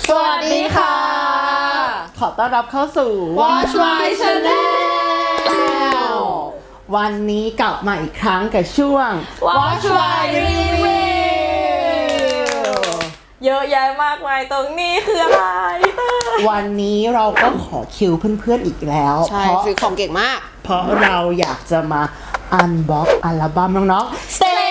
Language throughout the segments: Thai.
สวัสดีค่ะขอต้อนรับเข้าสู่ Watch My Channel วันนี้กลับมาอีกครั้งกับช่วง Watch My Review เยอะแยะมากมายตรงนี้คืออะไรวันนี้เราก็ขอคิวเพื่อนๆอีกแล้วใช่ซื้อของเก่งมากเพราะเราอยากจะมาอันบ็อกอัลบั้มน้องๆ Stay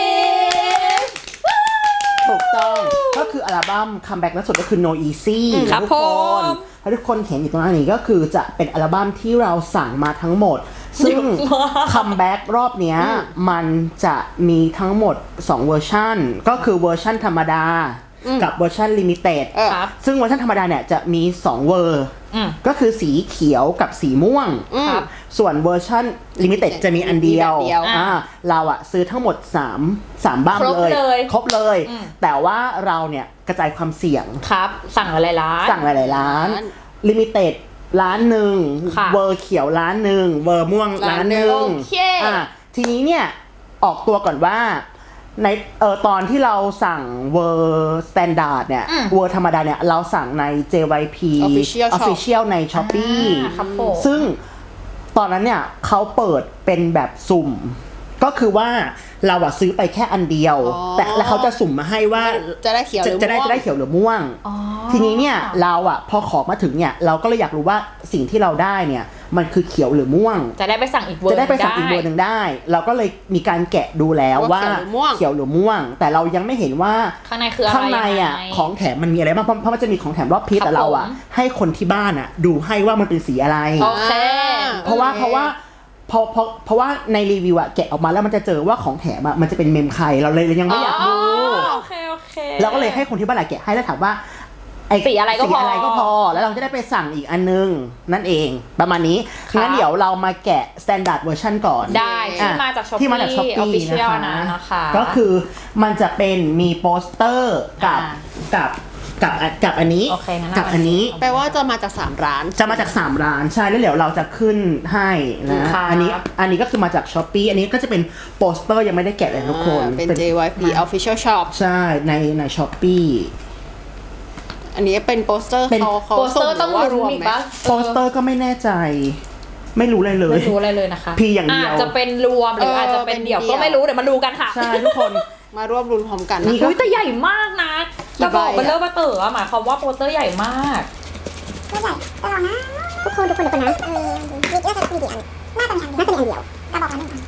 Kids ถูกต้องก็คืออัลบั้มคัมแบ็กล่าสุดก็คือ No Easy ครับทุกคนผมถ้าทุกคนเห็นอยู่ตรงนี้ก็คือจะเป็นอัลบั้มที่เราสั่งมาทั้งหมด ซึ่งคัมแบ็กรอบเนี้ยมันจะมีทั้งหมด2เวอร์ชันก็คือเวอร์ชันธรรมดากับเวอร์ชันลิมิเต็ดครับซึ่งเวอร์ชันธรรมดาเนี่ยจะมี2เวอร์ก็คือสีเขียวกับสีม่วงครับส่วนเวอร์ชันลิมิเต็ดจะมีอันเดียวมีแบบเดียวเราอะซื้อทั้งหมด3บั้มครบเลยเลยครบเลย แต่ว่าเราเนี่ยกระจายความเสี่ยงครับ สั่งอะไรร้านสั่งหลายๆร้านลิมิเต็ดร้านหนึ่งค่ะเวอร์เขียวร้านหนึ่งเวอร์ม่วงร้านหนึ่งโอเคทีนี้เนี่ยออกตัวก่อนว่าในตอนที่เราสั่งเวอร์สแตนดาร์ดเนี่ยเวอร์ธรรมดาเนี่ยเราสั่งใน JYP Official Shop Official ใน Shopee ครับผมซึ่งตอนนั้นเนี่ยเขาเปิดเป็นแบบสุ่ม ก็คือว่าเราอะซื้อไปแค่อันเดียว แต่แล้วเขาจะสุ่มมาให้ว่าจะได้เขียวหรือจะได้ม่วงจะได้เขียวหรือม่วง ทีนี้เนี่ยเราอะพอขอมาถึงเนี่ยเราก็เลยอยากรู้ว่าสิ่งที่เราได้เนี่ยมันคือเขียวหรือม่วงจะได้ไปสั่งอีกเวอร์จะได้ไปสั่งอีกเบอร์หนึ่งได้ เราก็เลยมีการแกะดูแล้วว่าว่าเขียวหรือม่วงเขียวหรือม่วง แต่เรายังไม่เห็นว่าข้างในคืออะไรข้างในอ่ะยังไงของแถมมันมีอะไรบ้างเพราะมันจะมีของแถมรอบพีชครับแต่เราอ่ะผมให้คนที่บ้านอ่ะดูให้ว่ามันเป็นสีอะไรโอเคเพราะว่าในรีวิวอะแกะออกมาแล้วมันจะเจอว่าของแถมอะมันจะเป็นเมมใครเราเลยยังไม่อยากดูโอเคโอเคเราก็เลยให้คนที่บ้านอะแกะให้แล้วถามว่าสีอะไรก็พอสีอะไรก็พอแล้วเราจะได้ไปสั่งอีกอันนึงนั่นเองประมาณนี้ครับงั้นเดี๋ยวเรามาแกะ standard version ก่อนได้ที่มาจาก Shopee ที่มาจาก Shopee Official นะนะคะก็คือมันจะเป็นมีโปสเตอร์กับอ่ากับอันนี้โอเคงั้นกับอันนี้แปลว่าจะมาจาก3ร้านจะมาจาก3ร้านใช่แล้วเดี๋ยวเราจะขึ้นให้นะครับอันนี้ก็คือมาจาก Shopee อันนี้ก็จะเป็นโปสเตอร์ยังไม่ได้แกะเลยทุกคนเป็น JYP Official Shop ใช่ใน Shopee อันนี้เป็นโปสเตอร์เป็นเขาโปสเตอร์ส่ต้องว่ารลุ้วน มอีกไหมปะโปสเตอร์ก็ไม่แน่ใจ ไม่รู้เลยเลยไม่รู้อะไรเลยนะคะพีอย่างเดียวอาจจะเป็นรวมหรืออาจจะเป็นเดี่ยวเป็นเดี่ก็ยวไม่รู้เดี๋ยวมาดูกันค่ะใช่ทุกคนมาร่วมรุนพร้อมกันนี่นะก็อุ้ยแต่ใหญ่มากนะกี่จะบอกใบอะเป็นเรื่องมาเต๋อหมายความว่าโปสเตอร์ใหญ่มากก็ใหญ่แต่เรานะทุกคนนะมีน่าจะมีกี่อันน่าจะมีอันเดียวเราบอกอันหนึ่ง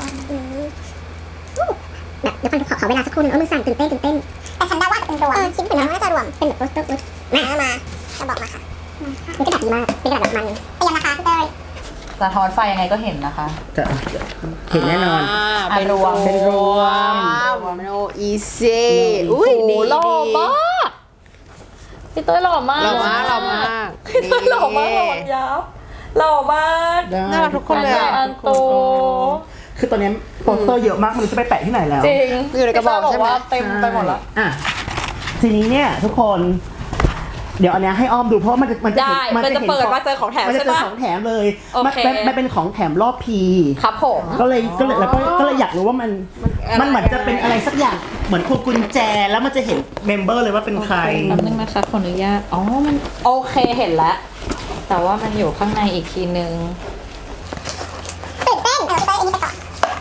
แบบเดี๋ยวก่อนขอเวลาสักครู่นึงมือสั่นตื่นเต้นแต่ฉันได้ว่าเป็นรวมคิดเหมือนน่าจะรวมเป็นแบบโปสเตอร์มาจะบอกมาค่ะนี่ก็แบบดีมากเป็นแบบมันเป็นยังราคาพี่เต้ยสะท้อนไฟยังไงก็เห็นนะคะจะเห็นแน่นอนเป็นรวมเป็นรวมโนอีซีอุ้ยดีหล่อดีมากพี่เต้ยหล่อมากหล่อมากหล่อมากพี่เต้ยหล่อมากหล่อยับหล่อมากน่ารักทุกคนเลยอะอันโตคือตอนนี้โปสเตอร์เยอะมากไมันจะไปแปะที่ไหนแล้วจริงอยู่ในกระบอกใช่ไหมว่าเต็มไปหมดแล้วอ่ะทีนี้เนี่ยทุกคน เดี๋ยวอันเนี้ยให้อ้อมดูเพราะว่ามันจะได้เห็นมันจะเปิดมาเจอของแถมมันจะใช่เจอปะของแถมเลยโอเคมันเป็นของแถมรอบพีครับผมก็เลยแล้วก็เลยอยากรู้ว่ามันเหมือนจะเป็นอะไรสักอย่างเหมือนพวงกุญแจแล้วมันจะเห็นเมมเบอร์เลยว่าเป็นใครแป๊บนึงนะคะขออนุญาตอ๋อมันโอเคเห็นแล้ว แต่ว่ามันอยู่ข้างในอีกทีนึงตื่นเต้นพี่เต้ยอันนี้ไปก่อน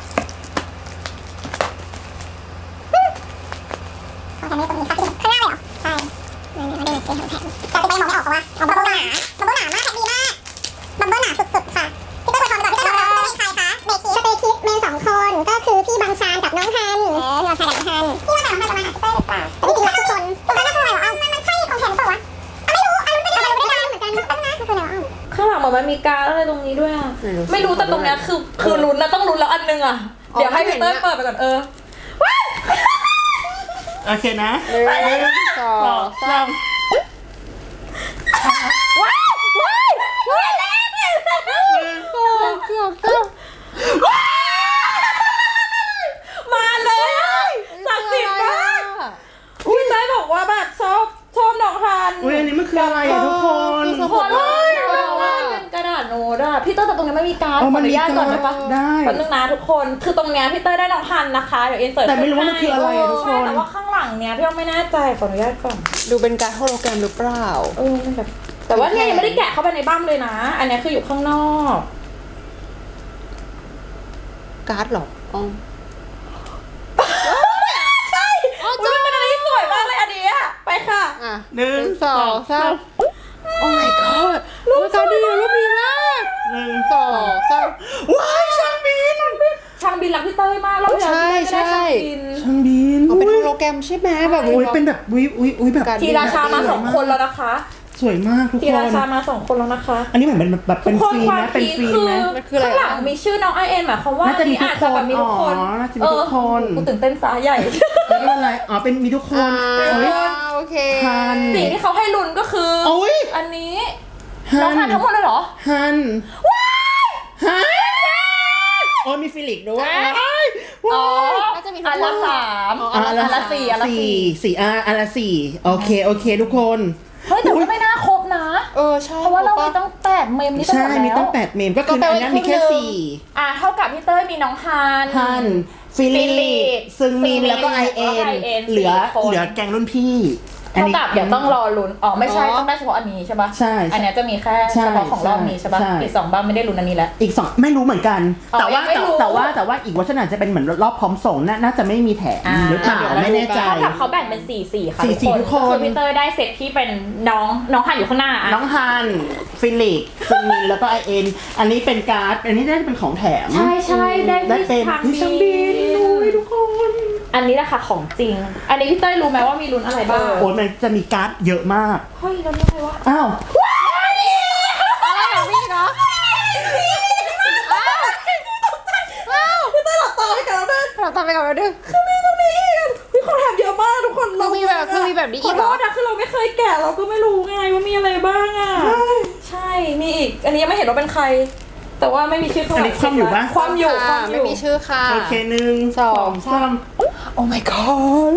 ขอทำให้ตรงนี้ค่ะข้างหน้าเลยเหรอใช่มาดูหน่อยสิของแถมแต่จะไปมองไม่ออกเพราะว่าบับเบิ้ลหนามากแท็กดีมากบับเบิ้ลหนาสุดๆค่ะพี่เต้ยไปก่อนพี่เต้ยเป็นใครคะเบคิสเตคิสเมน2 คนก็คือพี่บางชานกับน้องฮันพี่บางชานกับน้องฮันพี่บางชานกับน้องฮันจะมาหาพี่เต้ยหรือเปล่าแต่จริงๆแล้วทุกคนน่าคืออะไรเหรอมันใช่ของแถมหรือเปล่าวะไม่รู้ไม่ได้เหมือนกันตั้งนะคืออะไรวะข้างหลังเหมือนมันมีการอะไรตรงนี้ด้วยอะไม่รู้สิไม่รู้แต่ตรงเนี้ยคือลุ้นนะต้องลุ้นแล้วอันนึงอะเดี๋ยวให้พี่เต้ยเปิดไปก่อนว้ายโอเคนะสองสามว้ายว้ายว้ายแล้วมาเลยศักดิ์สิทธิ์มากพี่เต้ยบอกว่าแบบชอบน้องฮันอุ้ยอันนี้มันคืออะไรอ่ะทุกคนขอเลยเป็นกระดาษโน้ตอะพี่เต้ยแต่ตรงนี้ไม่มีการดขออนุญาตก่อนได้ปะได้แป๊บนึงนะทุกคนคือตรงเนี้ยพี่เต้ยได้น้องฮันนะคะเดี๋ยวอินเสิร์ตแต่ไม่รู้ว่ามันคืออะไรอะทุกคนใช่แต่ว่าข้างหลังฝั่งเนี้ยพี่อ้อมไม่แน่ใจขออนุญาตก่อนดูเป็นการโฮโลแกรมหรือเปล่ามันแบบแต่ว่าเนี่ยยังไม่ได้แกะเข้าไปในบั้มเลยนะ อันเนี้ยคืออยู่ข้างนอกการ์ดเหรออ๋อใช่อุ๊ยมันเป็นอะไรที่สวยมากเลยอันเนี้ยไปค่ะอ่ะหนึ่งสองสามโอ้ my god รูปการ์ดดีรูปดีมากหนึ่งสองสามว้ายช่างบินช่างบินรักพี่เต้ยมากเราอยากได้ช่างบินช่างบินเอาเป็นโฮโลแกรมใช่ไหมแบบอุ้ยเป็นแบบอุ้ยแบบทีราชามา2 คนแล้วนะคะสวยมากทุกทีคราน ชามา2 คนแล้วนะคะอันนี้เหมือนเป็นแบบเป็นทุกคนฟิล์มความนะเป็นพีคฟิล์มคือนะข้างหลังมีชื่อน้องไอเอ็นหมายความว่าน่าจะมีทุกอาจจะแบบมีทุกคนอ๋อน่าจะมีทุกคนกูตื่นเต้นซะใหญ่ไม่เป็นไรอ๋อเป็นมีทุกคนอ่าเฮ้ยโอเคทันสิ่งที่เขาให้ลุ้นก็คือโอ้ยอันนี้น้องทานทั้งหมดเลยเหรอฮันฮันโอ้ยมีฟิลิกด้วยอ๋อน่าจะมีทุกอันคละน 3 อ๋ออันละ4อันละสี่อันละสี่โอเคทุกคน 4เฮ้ยแต่ก็ไม่น่าครบนะใช่เพราะว่าเรามีต้อง8เมมนี่ใช่หดมีแล้วตั้ง8เมมก็คือก็แปลอันว่านี้มีแค่ครึ่งหนึ่งสี่เท่ากับพี่เต้ยมีน้องฮันฮันฟิลิฟิลิกกซึงมินซึงมินแล้วก็ไอเอ็แล้วก็น IN เหลือ 4 คนเหลือแกงรุ่นพี่เท่ากับเดี๋ยวต้องรอลุ้นอ๋อไม่ใช่ต้องได้เฉพาะอันนี้ใช่ปะใช่อันเนี้ยจะมีแค่ใช่เฉพาะของรอบนี้ใช่ปะใช่อีก2บ้านไม่ได้ลุ้นอันนี้แล้วอีกสองไม่รู้เหมือนกันอ๋อแต่ว่ายังไม่รู้แต่ว่าอีกเวอร์ชันอาจจะเป็นเหมือนรอบพร้อมส่งน่าจะไม่มีแถมหรือเปล่าไม่แน่ใจเท่ากับเขาแบ่งเป็น4-4ค่ะ 4-4ทุกคนก็คือพี่เต้ยได้เซตที่เป็นน้องฮันอยู่ข้างหน้าอะน้องฮันฟิลิกซึงมินแล้วก็ไอเอ็นอันนี้เป็นการ์ดอันนี้ได้เป็นของแถมใช่ได้ได้เป็นทางที่ช่างบินด้วยทุกคนอันนี้แหละค่ะของจริง อันนี้พี่เต้ยรู้ไหมว่ามีลุ้นอะไรบ้างโอ้ยมันจะมีการ์ดเยอะมากเฮ้ยลุ้นอะไรวะอ้าวอะไรของพี่เนาะพี่เต้ยหลับตาไปกันแล้วเด้อเราทำไปกับเราดึงพี่เขาแถมเยอะมากทุกคนคือมีแบบนี้ขอีอกเหโทรอษนะคือเราไม่เคยแกะเราก็ไม่รู้ไงว่ามีอะไรบ้างอ่ะใช่มีอีกอันนี้ยังไม่เห็นว่าเป็นใคร แต่ว่าไม่มีชื่อเขาอันนี้คว่ำอยู่ปะความอยู่ไม่มีชื่อค่ะโอเคหนึ่งสองสามโอ้ my god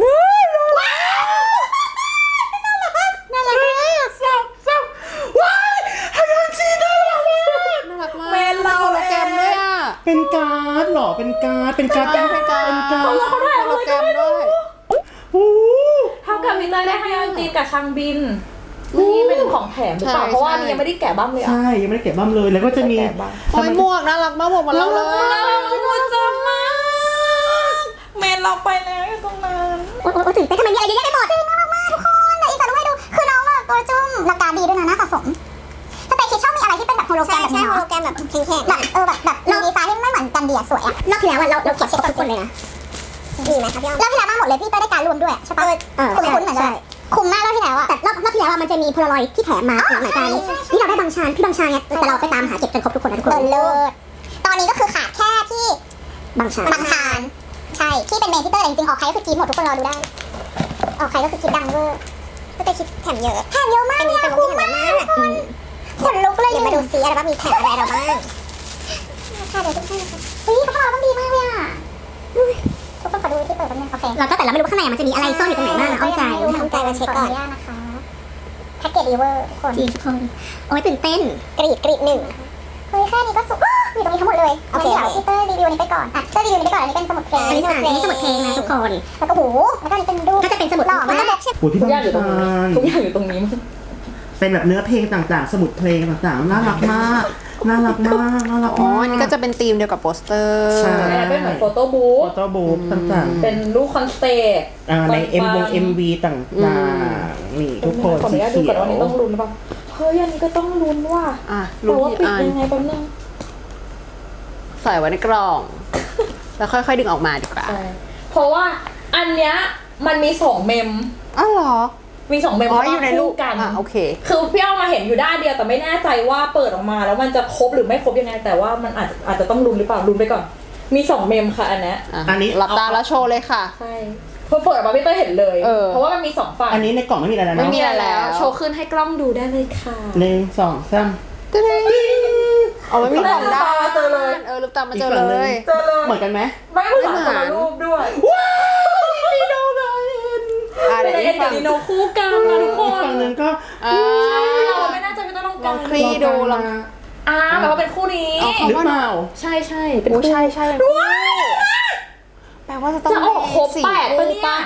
น่ารักมากว้ายฮันยอนจีน่ารักมากน่ารักมากเมนเราโฮโลแกรมด้วยอ่ะเป็นการ์ดเหรอเป็นการ์ดเป็นการ์ดร์ดโฮโลแกรมด้วยโอ้เท่ากับพี่เต้ยได้ให้ยอนจีนกับชางบินนี่เป็นของแถมหรือเปล่าใช่เพราะว่าอันนี้ยังไม่ได้แกะบ้างเลยอ่ะใช่ยังไม่ได้เก็บบ้ามเลยแล้วก็จะมีแกะบ้างโอ้ยหมวกน่ารักมากหมวกมันเราเลยมูจังมากเมนเราไปแล้วอยู่ตรงนั้นโอ้ยตื่นเต้นทำไมมีอะไรเยอะแยะไปหมดน่ารักมากทุกคนเดี๋ยวอีกจะรู้ให้ดูคือน้องแบบตัวจุ้มราคาดีด้วยนะน่าสะสมสเปคคิดชอบมีอะไรที่เป็นแบบโฮโลแกรมแบบนี้โฮโลแกรมแบบแข็งๆแบบมีดีไซน์ที่ไม่เหมือนกันดีอะสวยอะรอบที่แล้วอะเราเขียนเช็คทุกคนเลยนะดีไหมครับพี่อ้อมรอบที่แล้วมาหมดเลยพี่เต้ได้การรวมด้วยใช่ปะคุ้นเหมือนกันคุ้มมากรอบที่แล้วอะแต่รอบที่แล้วอะมันจะมีโพลารอยด์ที่แถมมาหลายการนี่เราได้บางชานพี่บางชานเนี่ยแต่เราไปตามหาเก็บจนครบทุกคนนะทุกคนเลิศตอนนี้ก็คือขาดแค่ที่บางชานใช่ที่เป็นเมนที่เตอร์แต่จริงๆออกใครก็คือกีดหมดทุกคนรอดูได้ออกใครก็คือกีดดังเวอร์ก็จะคิดแถมเยอะมากเนี่ยคุ้มมากขนลุกเลยเดี๋ยวมาดูซิอะไรบ้างมีแถมอะไรเราบ้างค่ะเดี๋ยวทุกท่านนะคะเฮ้ยเขาบอกว่าดีมากเลยอ่ะทุกคนขอดูที่เปิดแป๊บนึงโอเคเราก็แต่เราไม่รู้ข้างในมันจะมีอะไรซ่อนอยู่ตรงไหนบ้างอ้อมใจมาเช็คก่อนนะคะแพ็กเกจดีเวอร์ทุกคนโอ้ยตื่นเต้นกรีดหนึ่งเฮ้ยแค่นี้ก็สุดอยู่ตรงนี้ทั้งหมดเลยโอเคเดี๋ยวพี่เตอร์รีวิวนี้ไปก่อนเตอร์รีวิวนี้ไปก่อนอันนี้เป็นสมุดเพลงอันนี้สมุดเพลงนะทุกคนแล้วก็หูแล้วก็นี่เป็นรูปก็จะเป็นสมุดหล่อมากโหพี่ทุกบ้าอย่างอยู่ตรงนี้นทุกอย่างอยู่ตรงนี้เป็นแบบเนื้อเพลงต่างๆ สมุดเพลงต่างๆน่ารักมากน่ารักมากน่ารักอ๋อมากอันนี้ก็จะเป็นธีมเดียวกับโปสเตอร์ใช่อันนี้เป็นเหมือนโฟโต้บุ๊โฟกโต้บุ๊กต่างๆเป็นรูปคอนเสิร์ตในMV ต่างๆนี่ทุกคนขออสีนุญาตดูเขีก่อนยวว่านี้ต้องลุ้นหรือเปล่าเฮ้ยอันนี้ก็ต้องลุ้นว่ะอ่ะแต่รู้ว่าที่ปิดอันยังไงแป๊บนึงใส่ไว้ในกล่อง แล้วค่อยๆดึงออกมาดีกว่าเพราะว่าอันเนี้ยมันมี2เมมอ้าวเหรอมี2เมมอ๋ออยู่ในรูปกันอ่ะโอเคคือพี่เอามาเห็นอยู่ด้านเดียวแต่ไม่แน่ใจว่าเปิดออกมาแล้วมันจะครบหรือไม่ครบยังไง แต่ว่ามันอาจจะต้องลุ้นหรือเปล่าลุ้นไปก่อนมี2เมมค่ะอันเนี้ยอันนี้หลับตาแล้วโชว์เลยค่ะใช่พอเปิดออกมาพี่เต้ยเห็นเลย เพราะว่ามันมี2ฝั่งอันนี้ในกล่องไม่มีอะไรแล้วไม่เนาะมีอะไรแล้วโชว์ขึ้นให้กล้องดูได้เลยค่ะหนึ่งสองสามตึ้งเอาไว้มีกล่องได้เจอเลยลืมตามาเจอเลยเจอเลยเหมือนกันไหมไม่เหมือนคนละรูปด้วยว้าวดีโนไดนเดี๋ยวเอ็อีนกกัฝั่บงดีโนคู่กันนะทุกคอีกนฝั่งหนึ่งก็อ่าเราไม่น่าจะไม่ต้องลองคลี่ดูลองแบบว่าเป็นคู่นี้หรือเปล่าใช่เป็นโอ้คู่ใช่แปลว่าจะต้องจะออกครบ 4 8ปะรูปเนี่ยปะจะ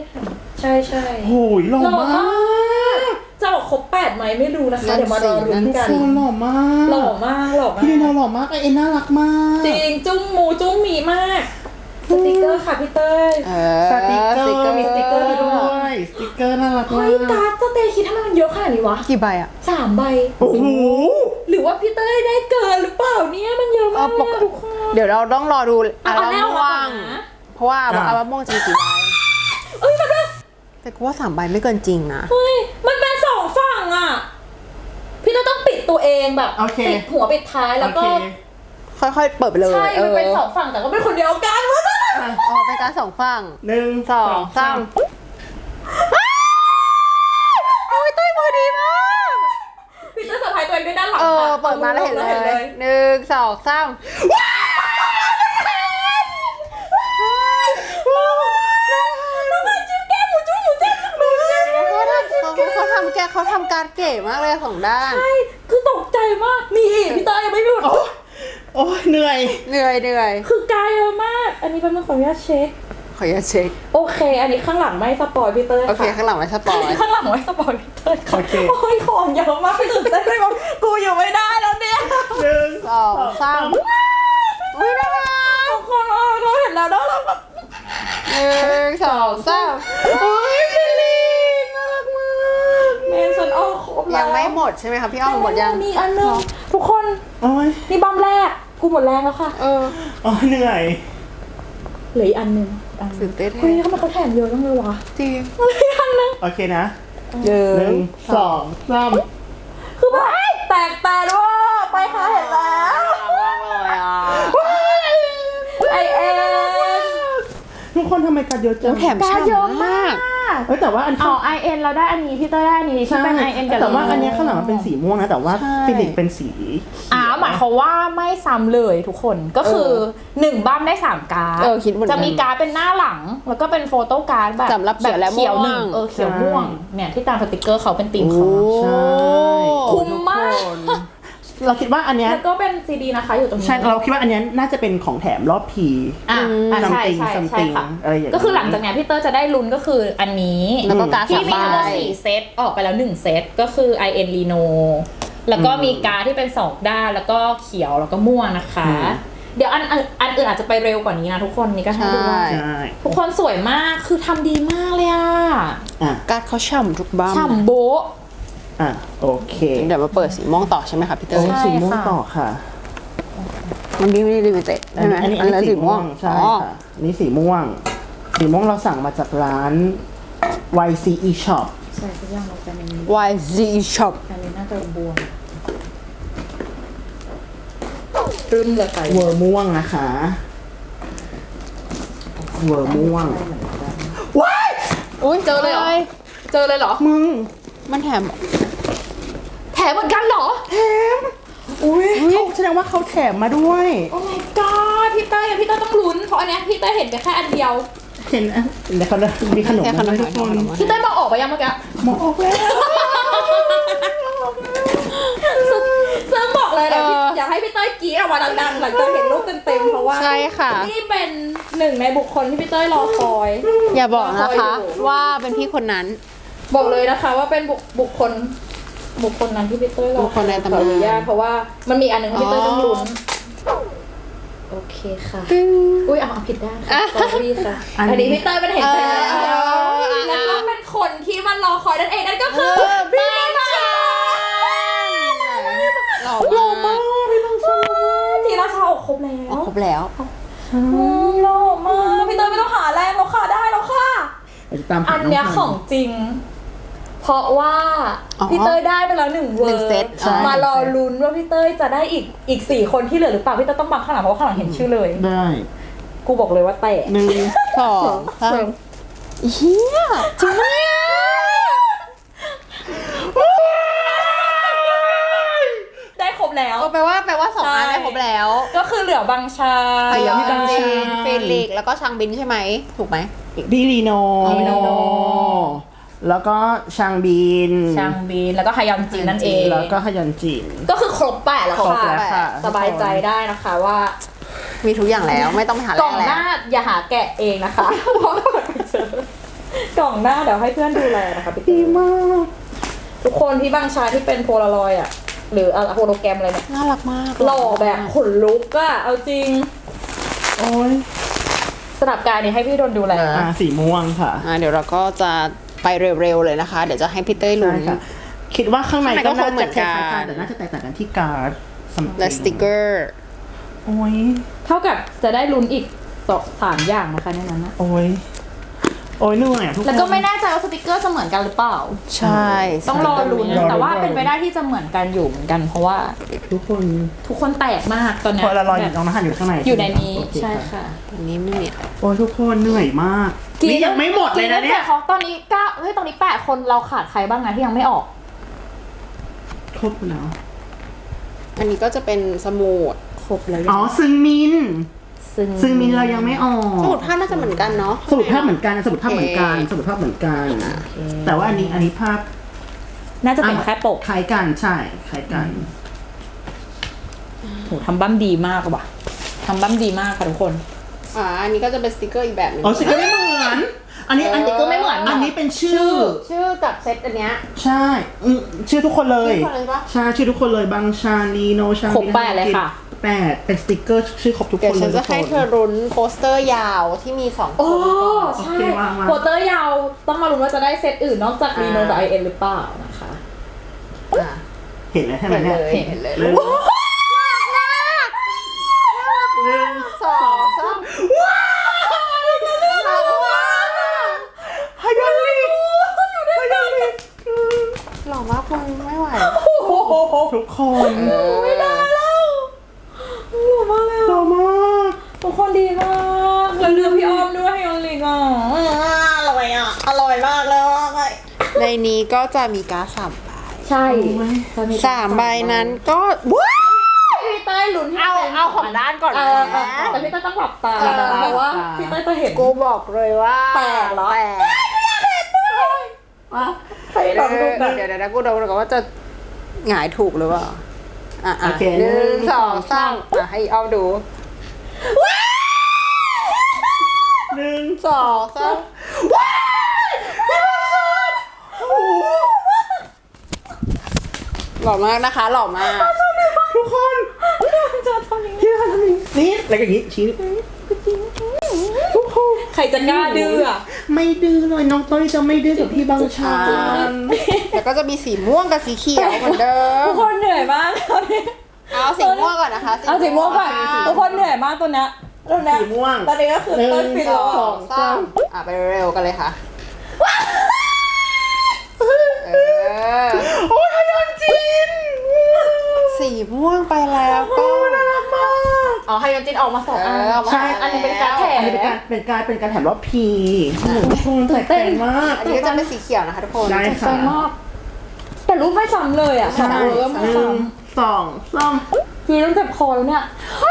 ใช่ใช่โอ้ยหล่อมากจะออกครบ8ไหมไม่รู้นะคะ เดี๋ยวมารอรุ้นกันโอ้หล่อมากหล่อมากหล่อมาพี่ลีโนกหล่อมากไอเอ็นน่ารักมากจริงจุ้งมูจุ้งมีมากสติกเกอร์ค่ะพี่เต้ยสติกเกอร์มีสติกเกอร์ด้วยสติกเกอร์น่ารักเฮ้มาย กการ์ดสเตย์คิดทำไมมันเยอะขนาดนี้วะกี่ใบอะ 3 ใบโอ้โหหรือว่าพี่เต้ยได้เกินหรือเปล่าเนี่ยมันเยอะมากทุกคนเดี๋ยวเราต้องรอดูอัลเอาบั้แน่มเอาม่วมาง นะเพราะว่าอัลบั้มม่วงจะมีกี่ใบเอ้ยมันเป็นแต่กูว่า3 ใบไม่เกินจริงนะเฮ้ยมันเป็น2 ฝั่งอ่ะพี่เต้ยต้องปิดตัวเองแบบโอเคปิดหัวปิดท้ายแล้วก็โอเคค่อยๆเปิดไปเลยใช่มันเป็น2 ฝั่งแต่ก็เป็นคนเดียวกันวะนะอ๋อเป็นการ2 ฝั่ง 1 2 3 โอ้ยเต้ยมือดีมากพี่เต้ยเซอร์ไพรส์ตัวเองด้วยด้านหลังเปิค่ะดมาแล้วเห็นเลย 1 2 3 เขาทำการเก๋มากเลย2 ด้านใช่คือตกใจมากมีอีกพี่เต้ยยังไม่หยุดโอ้ยเหนื่อยเหนื่อยคือกายเยอะมาก อันนี้เป็นขออนุญาตเช็คขออย่าตเช็คโอเค อันนี้ข้างหลังไม่สปอยพี่เต้ยโอเคค่ะข้างหลังไว้สปอยข้างหลังไม่สปอยพี่เต้ยค่ะโอเคโอ้ยของเยอะมากพี่ตื่นเต้นเลยว่ากูอยู่ไม่ได้แล้วเนี่ย 1 2 3อุ้ยน่ารักทุกคนเราเห็นแล้วแล้วเราแบบ 1 2 3 โอ้ยพี่ลิงน่ารักมากเมนฉันออกครบแล้วยังไม่หมดใช่ไหมคะพี่อ้อมหมดยังมีอันนึงทุกคนโอ้ยนี่บัมแรกกูหมดแรงแล้วค่ะเออโอ้ยเหนื่อยเหลืออีกอันนึงอันนึตื่งนเต้นเฮ้ยทำไมเขาแถมเยอะจังเลยวะจริงเหลืออีกอันนึงโอเคนะ 1 1 2 3 คือแบบแตกแต่ด้วยไปค่ะเห็นแล้ว ไอเอ็นทุกคนทำไมการเยอะจังแถมการเยอะมากเอ้ยแต่ว่าอันอ๋อไอเอ็นเราได้อันนี้พี่เต้ยได้อันนี้ที่เป็นไอเอ็นกับแต่ว่าอันเนี้ยข้างหลังมันเป็นสีม่วงนะแต่ว่าใช่ฟิลิปเป็นสีหมายความว่าไม่ซ้ำเลยทุกคนก็คือ1บ้ามได้3การ์ดคิดเหมือนกันจะมีการ์ดเป็นหน้าหลัง แล้วก็เป็นโฟโต้การ์ดแบบสำหรับเขียวและเขียวม่วงหนึ่งเขียวม่วงเนี่ยที่ตามสติกเกอร์เขาเป็นธีมเขาใช่คุ้มมากเราคิดว่าอันเนี้ยแล้วก็เป็นซีดีนะคะอยู่ตรงนี้ใช่เราคิดว่าอันเนี้ยน่าจะเป็นของแถมรอบพีใช่ใช่ something ค่ะอะไรอย่างเงี้ยก็คือหลังจากเนี้ยพี่เตอร์จะได้ลุ้นก็คืออันนี้แล้วก็การ์ดที่มีทั้งหมด 3 ใบ 4 เซตออกไปแล้ว1 เซตก็คือ IN Reno แล้วก็มีการ์ดที่เป็น2 ด้านแล้วก็เขียวแล้วก็ม่วงนะคะ เดี๋ยวอันอื่นอาจจะไปเร็วกว่านี้นะทุกคนนี่ก็ให้ดูว่าใช่ทุกคนสวยมากคือทำดีมากเลยอ่ะอ่ะการ์ดเขาฉ่ำทุกบ้ามฉ่ำโบ๊ะอ่ะโอเคเดี๋ยวมาเปิดสีม่วงต่อใช่ไหมคะพี่เตอโอ้ร์ยสีม่วงต่อค่ะมันไม่ได้ลิมิเต็ดใช่ไหมอันนี้สีม่วงใช่อ๋อค่ะอันนี่สีม่วง สีม่วงเราสั่งมาจากร้าน YCE Shop ใช่ทุกอย่างเราจะเป็น YZ Shop การเล่นน่าจะบวมรึมเลยไปเวอร์ม่วงนะคะเวอร์ม่วงว้ายอุ้ยเจอเลยเหรอ เจอเลยเหรอมึงมันแถมแถมเหมือนกันเหรอแถมอุ้ยเขาแสดงว่าเขาแถมมาด้วยโอ้ my god พี่เต้ยต้องลุ้นเพราะอันเนี้ยพี่เต้ยเห็นไปแค่อันเดียวเห็นอ่ะเดี๋ยวเขามีขนมแค่ขนมมาให้ทุกคนพี่เต้ยมองออกไปยังเมื่อกี้มองออกแล้วซึ่งบอกเลยนะอยากให้พี่เต้ยกรี๊ดออกมาดังๆหลังจากเห็นรูปเต็มๆเพราะว่าใช่ค่ะนี่เป็นหนึ่งในบุคคลที่พี่เต้ยรอคอยอย่าบอกนะคะรอคอยอยู่ว่าเป็นพี่คนนั้นบอกเลยนะคะว่าเป็นบุคคลนั้นที่พี่เต้ยรอบุคคลในตำนานขออนุญาตเพราะว่ามันมีอันหนึงที่พี่เต้ยต้องลุ้นโอเคค่ะ อุ้ยเอาผิดด้านค่ะ sorry ค่ะ อันนี้พี่เต้ยเป็นเห็นใจแล้ว แล้วก็เป็นคนที่มันรอคอยนั่นเองนั่นก็คือพี่มาหล่อมากทีราชาออกครบแล้วครบแล้วหล่อมากพี่เต้ยไม่ต้องหาแรงแล้วค่ะได้แล้วค่ะเราจะตามหาอันเนี้ยของจริง เพราะว่าอ๋อพี่เต้ยได้ไปแล้ว1 เวอหนึ่งร์เซตใช่มารอลุ้นว่าพี่เต้ยจะได้อีก4 คนที่เหลือหรือเปล่าพี่เต้ยต้องบังข้างหลังเพราะว่าข้างหลังเห็นชื่อเลยได้กูบอกเลยว่าแตก 1 2 3เฮียจริงปะเนี่ยได้ครบแล้วแปลว่า2 อันได้ครบแล้วก็คือเหลือบางชาพยองบางชาเฟลิกซ์แล้วก็ชางบินใช่ไหม ถูกไหมพี่ลีโนลีโนแล้วก็ชางบินชางบีนแล้วก็ฮายอนจินนั่นเองแล้วก็ฮยันจินก็คือครบ8แล้วครบค่ะแล้วค่ะสบายใจได้นะคะว่ามีทุกอย่างแล้วไม่ต้องไปหากล่องแล้หน้าว อย่าหาแกะเองนะคะเพราะว่าไปเจอกล่องหน้าเดี๋ยวให้เพื่อนดูแลนะคะพี่ดีมากทุกคนที่บางชายที่เป็นโพลารอยด์อ่ะหรือโฮโลแกรมอะไรเนี่ยน่ารักมากหล่อแบบขนลุกอะเอาจริงโอ้ยสลับกายนี่ให้พี่โดนดูแลสีม่วงค่ะเดี๋ยวเราก็จะไปเร็วๆเลยนะคะ เดี๋ยวจะให้พี่เต้ยลุ้นใช่ค่ะ คิดว่าข้างในข้างในก็ก็น่าคงเหมืจะอนคกันล้ายๆกันแต่น่าจะแตกต่างกันที่การ์ด something และสติกเกอร์โอ้ยเท่ากับจะได้ลุ้นอีก3อย่างนะคะในนั้นนะโอ้ยโอ้ยเหนื่อยอะทุกคนแล้วก็ไม่แน่ใจว่าสติกเกอร์จะเหมือนกันหรือเปล่าใช่ต้องรอลุ้นรอลุ้นแต่ว่าเป็นไปได้ที่จะเหมือนกันอยู่เหมือนกัน เพราะว่าทุกคนทุกคนแตกมากตอนเนี้พอละลอยแบบน้องน้ำหันอยู่ข้างในอยู่ในนี้โอเใช่ค่ะอันนี้ไม่มีอะไรโอ้ยทุกคนเหนื่อยมากนี่ยังไม่หมดเลยนะเนี่ยเขาตอนนี้9เฮ้ยตอนนี้8คนเราขาดใครบ้างนะที่ยังไม่ออกครบแล้วอันนี้ก็จะเป็นสมุดครบแล้วอ๋อซึงมินซึ่งซึงมินเรายังไม่ออกสมุดภาพน่าจะเหมือนกันเนาะสมุดภาพเหมือนกันสมุดภาพเหมือนกันสมุดภาพเหมือนกัน แต่ว่าอันนี้ภาพน่าจะเป็นแค่ปกคล้ายกันใช่คล้ายกันโหทำบั้มดีมากว่ะทำบั้มดีมากค่ะทุกคนอันนี้ก็จะเป็นสติกเกอร์อีกแบบหนึงอ๋อสติกเกอร์ไม่เหมือน อันนี้สติกเกอร์ไม่เหมือนอันนี้เป็นชื่อชื่อกับเซตอันเนี้ยใช่ชื่อทุกคนเลยชื่อคนเลยปะใช่ชื่อทุกคนเลยบางชาลีโนชาครบ8เลยค่ะ 8เป็นสติกเกอร์ชื่อครบทุกคเดี๋ยวนเลฉัยนจะให้เธอรุ้นโปสเตอร์ยาวที่มี2 โอ้คนใช่โอเควางโปสเตอร์ยาวต้องมาลุ้นว่าจะได้เซตอื่นนอกจากรีโนกับ IN หรือเปล่านะคะอ่ะเห็นแล้วใช่ไหมเห็นเนี่ยเลยเห็นเลยหนึ่งสองสามฮายาลิฮายาลิหล่อมากคุณไม่ไหวทุกคนไม่ได้แล้วหล่อมากเลยหล่อมากทุกคนดีมากแล้วเรื่องพี่อ้อมด้วยให้ยอนลิงอ่ะอร่อยอ่ะอร่อยมากเลยในนี้ก็จะมีการ์ด3 ใบใช่ 3 ใบนั้นก็พี่เต้ยลุ้นให้เป็นเอาของด้านก่อนเอนะอแต่พี่เต้ยต้องหลับตานะเพราะว่าพี่เต้ยจะเห็นกูบอกเลยว่าแปลกเหรอแปลกใครลองดูหน่อยเดี๋ยวนะกูดูก่อนว่าจะหงายถูกหรือเปล่าอ่ะโอเคหนึ่งสองสามให้เอาดู 1 สองสามหล่อมากนะคะหล่อมากทุกคนจะทำยังไงพี่ทำอย่างนี้นี่แล้วอย่างนี้ชี้ทุกคนใครจะกล้าดื้ออ่ะไม่ดื้อเลยน้องต้อยจะไม่ดื้อกับพี่บางชาแล้วก็จะมีสีม่วงกับสีเขียวเหมือนเดิทุมกคนเหนื่อยมากตอนนี้เอาสีม่วงก่อนนะคะเอาสีม่วงก่อนทุกคนเหนื่อยมากตัวเนี้ยตอนเนี้ยสีม่วงตอนนี้ก็คือต้นฟินสแล้อวงสามไปเร็วกันเลยค่ะโอ้ยฮายอนจินสีม่วงไปแล้วก็น่ารักมากอ๋อไฮยอนจินออกมา2 อันใช่อันนี้เป็นการแถอันนี้เป็นการแถมรอบพีทุกคนแตกต่างมากอันนี้ก็จะเป็นสีเขียวนะคะทุกคนได้ใจค่ะมากแต่รูปไม่ซ้ำเลยอ่ะใช่เออไม่ 1 ซ้ 2 3 ำคือต้องเจ็บคอแล้วเนี่ย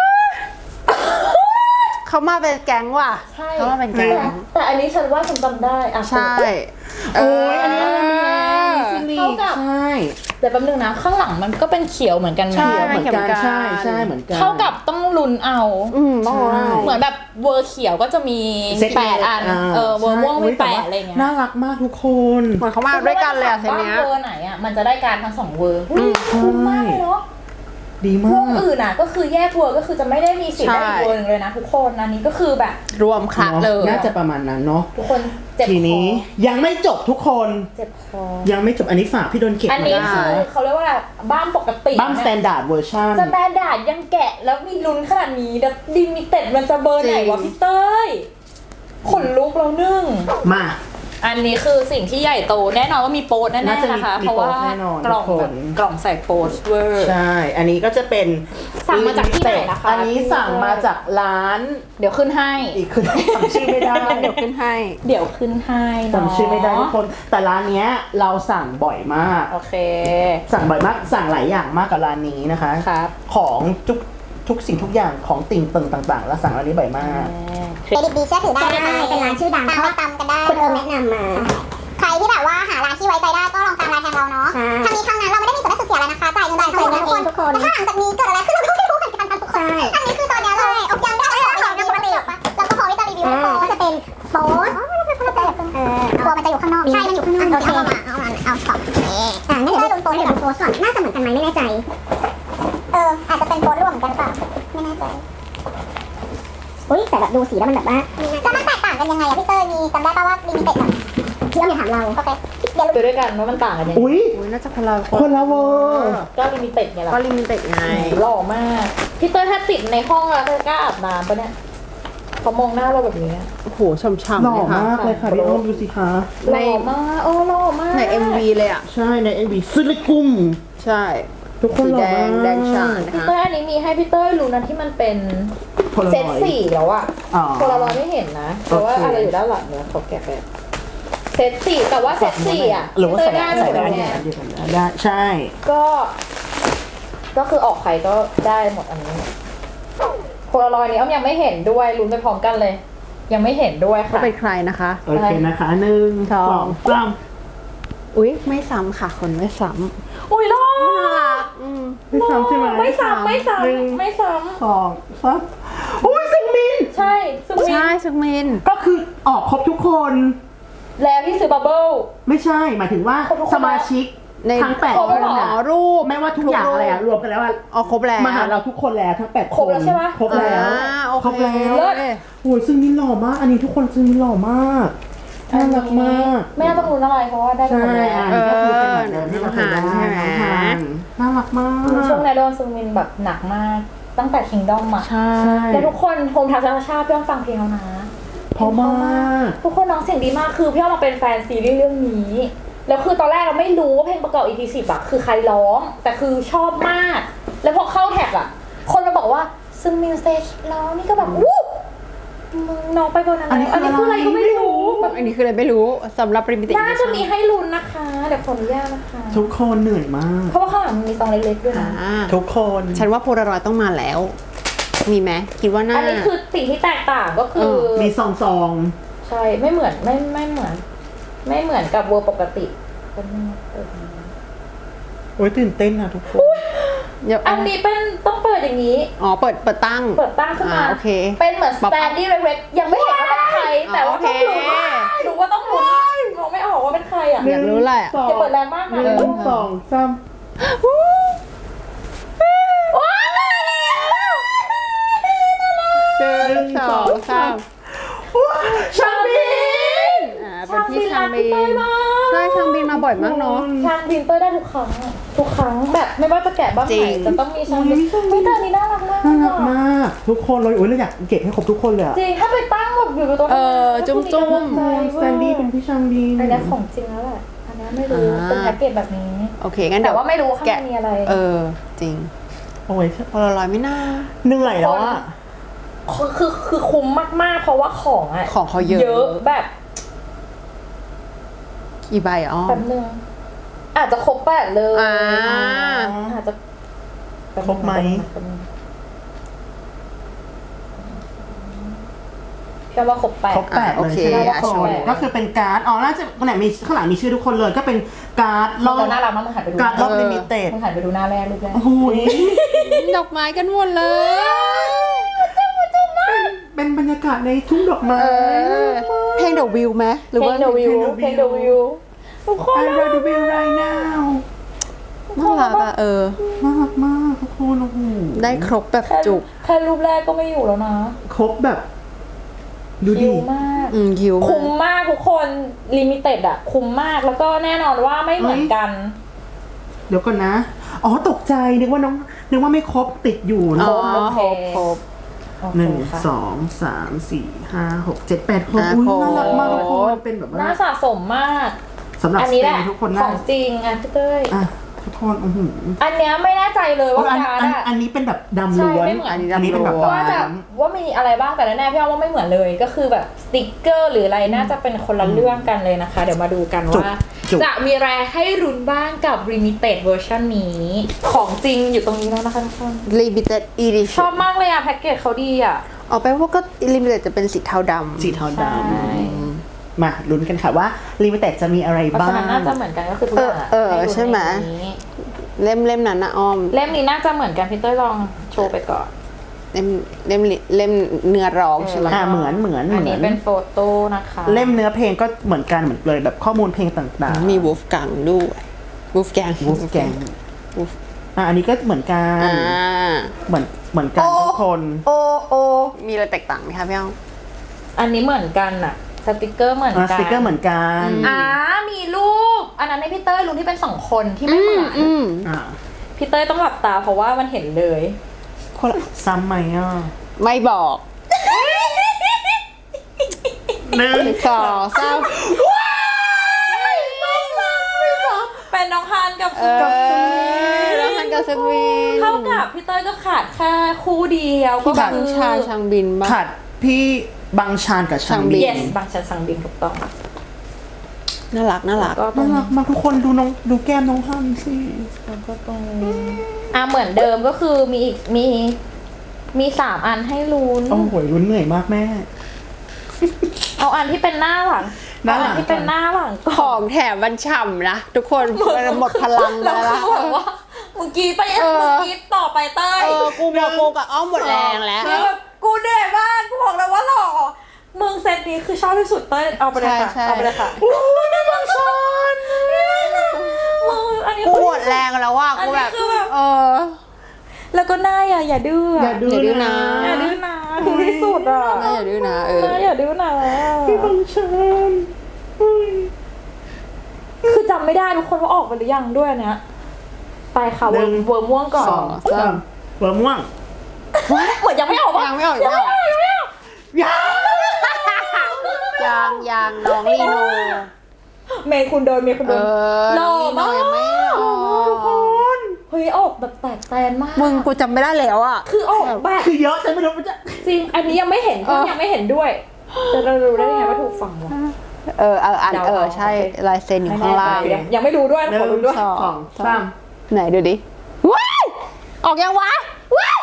เขามาเป็นแก๊งว่ะใช่เขามาเป็นแก๊งแต่อันนี้ฉันว่าฉันจำได้อ่ะใช่โอ้ยอันนี้อะไรเนี่ยเท่ากับใช่แต่แป๊บนึงนะข้างหลังมันก็เป็นเขียวเหมือนกันนะใช่เหมือนกันใช่เหมือนกันเท่ากับต้องลุ้นเอาต้องเอาเหมือนแบบเวอร์เขียวก็จะมีเซต 8 อันเวอร์ม่วงมี8อะไรเงี้ยน่ารักมากทุกคนเหมือนเขามาด้วยกันเลยอะเซตว่าเนี้ยเวอร์ไหนอ่ะมันจะได้การทั้ง2เวอร์คุ้มมากเลยเนาะดีพมาวกกอื่นอ่ะก็คือแยกเวอร์ก็คือจะไม่ได้มีสิทธิ์ได้อีกเวอร์หนึงเลยนะทุกคนอันนี้ก็คือแบบรวมคละเลยน่าจะประมาณนั้นเนาะทุกคนเจ็บทีคอนี้ยังไม่จบทุกคนเจ็บคอยังไม่จบอันนี้ฝากพี่โดนเก็บอันมานี้ได้คือเขาเรียกว่าอะไรบ้านปกติบ้านสแตนดาร์ดเวอร์ชันสแตนดาร์ดยังแกะแล้วมีลุ้นขนาดนี้แล้วดิมิเต็ดมันจะเบอร์ไหนวะพี่เต้ยขนลุกแล้วนึ่งมาอันนี้คือสิ่งที่ใหญ่โตแน่นอนว่ามีโปสแน่น่าจะๆมีนะคะมีเพราะว่าโปสแน่นอนกล่องทุกคนแบบกล่องใส่โปสเวอร์ใช่ อันนี้ก็จะเป็นสั่งมาจากที่ไหนนะคะอันนี้สั่งมาจากร้านเดี๋ยวขึ้นให้อีกคือจำชื่อไม่ได้เดี๋ยวขึ้นให้เดี๋ยวขึ้นให้เนาะจำชื่อไม่ได้ทุกคน แต่ร้านเนี้ยเราสั่งบ่อยมากโอเคสั่งบ่อยมาก สั่งหลายอย่างมากกับร้านนี้นะคะครับของทุกสิ่งทุกอย่างของติ่งตึงต่างๆ แล้วสั่งร้านนี้บ่อยมากเครดิตดีเชื่อถือได้นะคะเป็นร้านชื่อดังตามมาตำกันได้คุณเอิมแนะนำมา ใครที่แบบว่าหาร้านที่ไว้ใจได้ก็ลองตามรายแทนเราเนาะทั้งนี้ทั้งนั้นเราไม่ได้มีส่วนได้ส่วนเสียอะไรนะคะจ่ายเงินจ่ายเงินทุกคนแต่ถ้าหลังจากนี้เกิดอะไรขึ้นเราก็ไม่รู้เหมือนกันนะทุกคนอันนี้คือตอนนี้เลยอกยังได้ของอย่างปกติแล้วก็พอที่จะรีวิวให้ฟังว่าจะเป็นโป๊สสเดี๋ยวดูโพสก่อนน่าจะเหมือนกันไหมไม่แน่ใจอาจจะเป็นโพสร่วมเหมือนกันเปล่าไม่แน่ใจอุ้ยแต่แบบดูสีแล้วมันแบบว่าแล้วมันแตกต่างกันยังไงอะพี่เต้ยมีจำได้ป่าวว่าลิมิเต็ดอะเชื่อมอย่าถามเราโอเคเดี๋ยวดูด้วยกันว่ามันต่างกันยังไงอุ้ยอุ้ยน่าจะคนละคนละเวอร์ก็ลิมิเต็ดไงล่ะก็ลิมิเต็ดไงหล่อมากพี่เต้ยถ้าติดในห้องแล้วเธอกล้าอาบน้ำปะเนี่ยเขามองหน้าเราแบบนี้โอ้โหช่ำหล่ๆอเลยค่ะมากเลยค่ะพี่อ้อมดูสิคะหล่อมากโอ้หล่อมากใน MV เลยอ่ะใช่ในเอ็มวีซิลิกุมใช่ทุกคนสีหล่แดอมากงแดงฉานนะพี่คะเต้ยอันนี้มีให้พี่เต้ยรู้นะที่มันเป็นโพลารเซตอยด์สี่แล้วอะอ๋อโพลารอยด์ไม่เห็นนะแต่ว่าโอเคอะไรอยู่ด้านหลังเนี่ยเขาแกะแบบเซตสี่แต่ว่าเซตสี่อะหรือว่าใส่พี่เต้ยได้หมเนี่ยเนี่ยเดียวกันได้ใช่ก็คือออกใครก็ได้หมดอันนี้โพลารอยด์นี้อ้อมยังไม่เห็นด้วยลุ้นไปพร้อมกันเลย ยังไม่เห็นด้วยก็ค่ะเป็นใครนะคะโอเคนะคะหนึ่งสองสองสามอุ้ยไม่ซ้ำค่ะ คนไม่ซ้อุ้ยหล่อำน่ารักไม่ซ้ำใช่ไหมไม่ซ้ำไม่ซ้หนึ่งำไม่ซ้สองสามอุ้ยซึงมินำใช่ซึ่งมีใช่ซึงมินก็คือออกครบทุกคนแล้วที่ซื้อบับเบิ้ลไม่ใช่หมายถึงว่าครบทุกคนสมาชิกในทั้ง8 ครบคแล้วนเหรอน่ะรูปไม่ว่าทุกอย่างอะไรอะรวมกันแล้วอะเอาครบแล้วมาหาเราทุกคนแล้วทั้ง8 ครบแล้วใช่ไหมครบแล้วโอเคครบแล้วเลิศโอ้ยซึ่งมินหล่อมาก อันนี้ทุกคนซึ่งมินหล่อมากน่ารักมากไม่น่าต้องรู้อะไรเพราะว่าได้ไปใช่หมดแล้วอันนี้ก็คือเป็นเหมือนเดิมที่เราเคยได้ใช่ไหมน้องฮานน่ารักมากช่วงในโดนซึงมินแบบหนักมาก ตั้งแต่คิงดอมอะใช่แล้วทุกคนโฮมทัชชาพี่อ้อมฟังเพลงแล้วนะเพราะมากทุกคนน้องเสียงดีมากคือพี่อ้อมมาเป็นแฟนซีรีส์เรื่องนี้ แล้วคือตอนแรกเราไม่รู้ว่าเพลงประกอบ EP 10อะคือใครร้อง แต่คือชอบมาก แล้วพอเข้าแท็กอะคนมาบอกว่าซึงมินสเตจร้องนี่ก็แบบวู้มึงน้องไปบนนั้นแล้วอันนี้คืออะไรก็ไม่รู้แบบอันนี้คืออะไรไม่รู้สำหรับลิมิเต็ดน่าจะมีให้ลุ้นนะคะ เดี๋ยวขออนุญาตนะคะทุกคนเหนื่อยมากเพราะว่าข้างหลังมันมีซองเล็กๆด้วยนะทุกคนฉันว่าโพลารอยด์ต้องมาแล้ว มีไหมคิดว่าน่าอันนี้คือสิ่งที่แตกต่างก็คือมีซองใช่ไม่เหมือนไม่เหมือนกับเวอร์ปกติเป็นโอ้ยตื่นเต้นนะทุกคนเดี๋ยวอันนี้เป็นต้องเปิดอย่างนี้อ๋อเปิดตั้งเปิดตั้งขึ้นมาโอเคเป็นเหมือนสแตนดี้เล็กๆยังไม่เห็นว่าเป็นใคร แต่ว่าต้องลุ้นโอเครู้ว่าต้องลุ้นมองไม่ออกว่าเป็นใครอ่ะอยากรู้แหละสองอย่าเปิดแรงมากหนะนึ่งสองสามว้าวหนึ่งสองสามชางบินเป็นพี่ชางบิรักพี่นเต้ยมากใช่ชางบินมาบ่อยมากเนาะชางบินเต้ยได้ทุกครั้งอะทุกครั้งแบบไม่ว่าจะแกะบ้างจริไหนงจะต้องมีชางบินพี่เต้ยนี่น่ารักมากน่ารักมาก ทุกคนเลยโอ้ยเราอยากเก็บให้ครบทุกคนเลยอะจริงถ้าไปตั้งแบบอยู่บนโต๊ะจุ้มๆแซนดี้เป็นพี่ช่างดีอันนี้ของจริงแล้วแหละอันนี้ไม่รู้เป็นแพ็กเกจแบบนี้โอเคงั้นแต่เดี๋ยวว่าไม่รู้ข้างในแกะมีอะไรจริงโอ้ยโพลารอยด์ไม่น่าเหนื่อยแล้วอะคือคุ้มมากๆ เพราะว่าของอ่ะของเขาเยอะเยอะแบบอีใบอ๋อแป๊บนึงอาจจะครบ8เลย อาจจะครบไหมแป๊บนึงพี่ว่าครบ8 ครบ8เลยโอเคใช่ไหมทุกคนใช่ก็คือเป็นการ์ด อ๋อ น่าจะข้างหลังมีข้างหลังมีชื่อทุกคนเลย ก็เป็นการ์ดรอบเราน่ารักมากมึงหันไปดูการ์ดรอบลิมิเต็ดมึงหันไปดูหน้าแรกรูปแรกโอ้โหยดอกไม้กันหมดเลยเป็นบรรยากาศในทุ่งดอกไม้เพลงเดอะวิวไหมหรือเพลว่างเดวิวเพลงเดวิวทุกคน I love the view right now น่ารักอะน่ารักมากทุกคนโอ้โหได้ครบแบบแค่จุกแค่รูปแรกก็ไม่อยู่แล้วนะครบแบบ ดูคิดิวมากยิวคุ้มมากทุกคนลิมิเต็ดอะคุ้มมากแล้วก็แน่นอนว่าไม่เหมือนกันเดี๋ยวก่อนนะ อ๋อ ตกใจ นึกว่าไม่ครบติดอยู่อ๋นะอครบโอเคหนึ่งค่ะสองสามสี่ห้าหกเจ็ดแปดคนอุ้ยครบน่ารักมากทุกคนเป็นแบบน่าว่าสะสมมากสำหรับอันสนี้เตแหละย์ทุกคนขน่าองจริงอ่ะพี่เต้ยอ่ะทุกคนโอ้โหอันเนี้ยไม่แน่ใจเลยว่าอันการ์ดอันอะอันนี้เป็นแบบดำใช่ล้วนไม่เหมือนอันนี้อันนี้เป็นแบบดำล้วนว่าจะว่ามีอะไรบ้างแต่แน่ๆพี่อ้อมว่าไม่เหมือนเลย ก็คือแบบสติกเกอร์หรืออะไรน่าจะเป็นคนละเรื่องกันเลยนะคะ เดี๋ยวมาดูกันว่า จะมีอะไรให้รุนบ้างกับ Limited Version นี้ ของจริงอยู่ตรงนี้แล้วนะคะทุกคน Limited ช Edition อบมากเลยอะแพ็กเกจเขาดีอะออกไปว่าก็ Limited จะเป็นสีเทาดำสีเทาดใช่ำมาลุ้นกันค่ะว่าลิมิเต็ดจะมีอะไรเพราะบ้าฉะงนั้นน่าจะเหมือนกันก็คือทุกอย่างอะใช่ไหม เล่มนั้นนะอ้อมเล่มนี้น่าจะเหมือนกันพี่เต้ยลองโชว์ไปก่อนเล่มเนื้อร้องใช่ไหมเหมือนอันนี้เป็นโฟโต้นะคะเล่มเนื้อเพลงก็เหมือนกันเหมือนเลยแบบข้อมูลเพลงต่างๆมีวูฟกังด้วยวูฟแกงวูฟแกงอันนี้ก็เหมือนกัน เหมือนกันทุกคนโอมีอะไรแตกต่างไหมคะพี่อ้อมอันนี้เหมือนกันอะสติกเกอร์เหมือนกันสติกเกอร์เหมือนกันมีรูปอันนั้นให้พี่เต้ยรูปที่เป็น2 คนที่ไม่เหมือน พี่เต้ยต้องหลับตาเพราะว่ามันเห็นเลยคนละซ้ำไหมอ่ะไม่บอก 1 2 3 เป็นน้องฮันกับแล้วมันกับสวีนเท่ากับพี่เต้ยก็ขาดแค่คู่เดียวก็บังคือชาชังบินบ้างขัดพี่บังชานกับชางบิน yes บางชันสังบินถูกต้องน่ารักน่ารักก็ตรน่าง รักมากทุกคนดูแก้มน้องฮันสิแล้วก็ตรงเหมือนเดิมก็คือมีอีกมี3 อันให้ลุ้นโอ้โหลุ้นเหนื่อยมากแม่เอาอันที่เป็นหน้าหลังหน้าหลังเออัที่เป็นหน้าหลังก่อนของแถมมันฉ่ำนะ ทุกคนหมดพลังไปแล้วแล้วคือแบบว่าเมื่อกี้ไปต่อไปเต้ยกูบอกกูกับอ้อมหมดแรงแล้วคือแบบกูเหนื่อยมากกูบอกเลยว่าหล่อมึงเซตนี้คือชอบที่สุดเต้ยเอาไปเลยค่ะใช่เอาไปเลยค่ะโอ้ยน่ารักชอนมึงอันนี้กูหมดแรงแล้วว่ะกูแบบอันนี้คือแบบแล้วก็หน้าอย่าดื้ออย่าดื้อย่าดื้อนะอย่าดื้อนะคือที่สุดอ่ะหน้าอย่าดื้อนะอย่าดื้อนะพี่บังชานอุ้ยคือจำไม่ได้ทุกคนว่าออกไปหรือยังด้วยอันเนี้ยไปค่ะเวอร์ม่วงก่อน 3เบอร์ม่วงเหมือนยังไม่ออกปะยังไม่ออกยังน้องลีโนเมย์คุณโดนหล่อมากยังไม่ออกเฮ้ยออกแบบแตกแตนมากมึงกูจำไม่ได้แล้วอ่ะคือออกแบบคือเยอะฉันไม่รู้มันจะจริง อันนี้ยังไม่เห็นเพื่อนยังไม่เห็นด้วย จะรู้ได้ยังไงว่าถูกฝั่งวะใช่ลายเซ็นอยู่ข้างล่างยังไม่รู้ด้วย 1 ขอรู้ด้วย 2 3 ไหนดูดิว้ายออกยังวะว้าย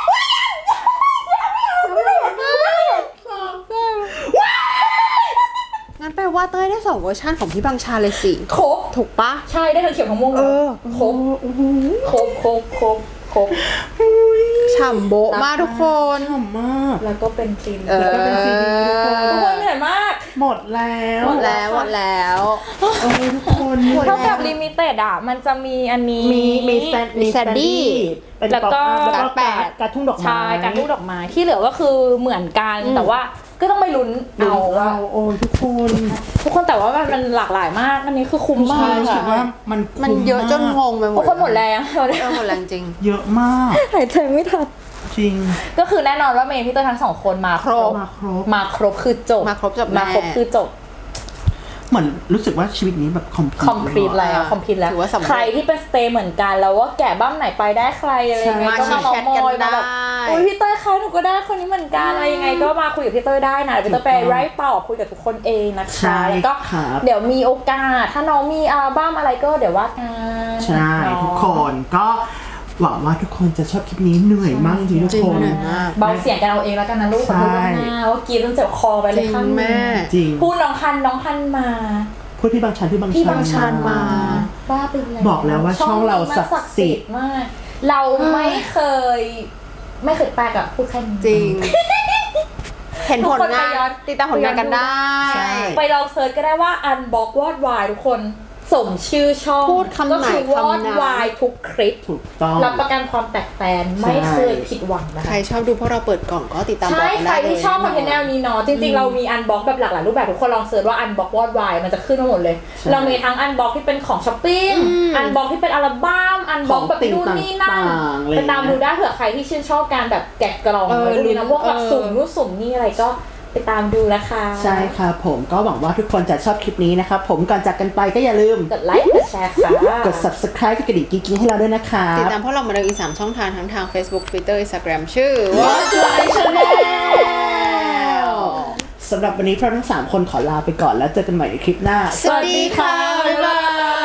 งั้นแปลว่าเต้ยได้2 เวอร์ชันของพี่บังชาเลยสิครบถูกปะใช่ได้ทั้งเขียวทั้งม่วงเลยครบครบฉ่ำโบะมากทุกคนชอบมากแล้วก็เป็นซีนแล้วก็เป็นซีดีทุกคนทุกคนเหนื่อยมากหมดแล้วหมดแล้วโอ้ยทุกคนหมดเท่าแล้กับวลิมิเต็ดอ่ะมันจะมีอันนี้มีแซนดี้เป็นแล้วก็การทุ่งดอกไม้ใช่การลูกดอกไม้ที่เหลือก็คือเหมือนกันแต่ว่าก็ต้องไปลุ้นเอาว่าโอ้ยทุกคนทุกคนแต่ว่ามันหลากหลายมากอันนี้คือคุ้มมากรู้สึกว่าค่ะมันเยอะจนงงไปหมทุดกคนหมดแรงตอนนี้หมดแรงจริงเยอะมากหายใจไม่ทันจริงก็คือแน่นอนว่าเมย์พี่เตอร์ทั้ง2 คนมาครบมาครบคือจบมาครบจบมาครบแน่คือจบเหมือนรู้สึกว่าชีวิตนี้แบบคอมพลีคอมพลีทแล้วคอมพลีทแล้วถือว่าสำเร็จใครที่เป็นสเตย์เหมือนกันแล้วว่าแกะบ้ามไหนไปได้ใครอะไรยังไงก็มามาแชทมกันอยมาแบบได้โอ้ยพี่เต้ยคะหนูก็ได้คนนี้เหมือนกันอะไรยังไงก็มาคุยกับพี่เต้ยได้นะเดี๋ยวพี่เต้ยไปไร้ตอบคุยกับทุกคนเองนะคะแล้วก็เดี๋ยวมีโอกาสถ้าน้องมีอัลบั้มอะไรก็เดี๋ยวว่ากันใช่ทุกคนก็หวังว่าทุกคนจะชอบคลิปนี้เหนื่อยมากจริงทุกคนเบาเสียงกันเอาเองแล้วกันนะลูกขอโทษล่วงหน้าว่ากินจนเจ็บคอไปเลยข้างแม่จริงพูดน้องฮันมาพูดพี่บางชันพี่บางชานมาบ้าไปแล้วบอกแล้วว่าช่องเราศักดิ์สิทธิ์มาก เราไม่เคยแปลกอะพูดแค่นี้จริง เห็นผลทุกคนงาไปย้อนนติดตามผลงานกันได้ใช่ไปลองเซิร์ชก็ได้ว่า Unbox วอดวายทุกคนสมชื่อช่องพูดคำไหนก็คือวอดคำนั้นวายทุกคลิปถูกต้องรับประกันความแตกแตนไม่เคยผิดหวังนะใครคะชอบดูพวกเราเปิดกล่องก็ติดตามใช่กันใครได้เลยที่ชอบคอนเทนต์แนวนี้เนาะจริงๆเรามี Unbox แบบหลากหลายรูปแบบทุกคนลองเซิร์ชว่า Unbox วอดวายมันจะขึ้นมาหมดเลย เรามีทั้ง Unbox ที่เป็นของช้อปปิ้ง Unbox ที่เป็นอัลบั้ม Unbox แบบนู่นนี่นั่นไปตามดูได้เผื่อใครที่ชื่นชอบการแบบแกะกล่องอะไรพวกนี้นะพวกแบบสุ่มนู่นสุ่มนี่อะไรก็ไปตามดูนะคะใช่ค่ะผมก็หวังว่าทุกคนจะชอบคลิปนี้นะครับผมก่อนจากกันไปก็อย่าลืมกดไลค์กดแชร์ค่ะกด subscribe กดกระดิ่งกิ๊งๆให้เราด้วยนะคะติดตามพวกเรามาเลยอีก3ช่องทางทั้งทาง Facebook Twitter Instagram ชื่อ Watch My Channel สำหรับวันนี้พวกเราทั้ง3คนขอลาไปก่อนแล้วเจอกันใหม่ในคลิปหน้าสวัสดีค่ะ บ๊ายบาย